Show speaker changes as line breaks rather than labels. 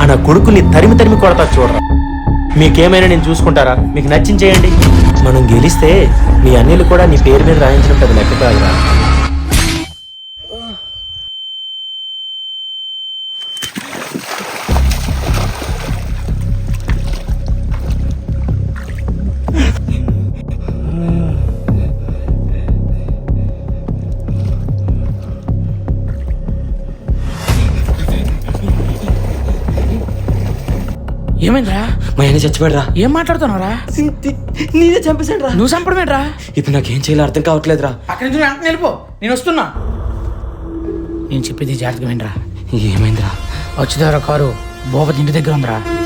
మన కొడుకుని తరిమి తరిమి కొడతా చూడరా. మీకేమైనా నేను చూసుకుంటారా? మీకు నచ్చింది చేయండి. మనం గెలిస్తే మీ అన్నిలు కూడా నీ పేరు మీద రాయించడం పెద్ద లెక్క కాదురా.
ఏమైందిరా?
మా ఆయన చచ్చిపోయాడురా.
ఏం మాట్లాడుతున్నావురా?
నేనే చంపేశాడు రా.
నువ్వు చంపడమేట్రా?
ఇప్పుడు నాకేం చేయాలో అర్థం కావట్లేదురా.
అక్కడి నుంచి వెంటనే వెళ్ళిపో, నేను వస్తున్నా. నేను చెప్పేది జాగ్రత్తగా వినరా.
ఏమైందిరా?
వచ్చేదారా కారు భూపతి ఇంటి దగ్గర ఉందిరా.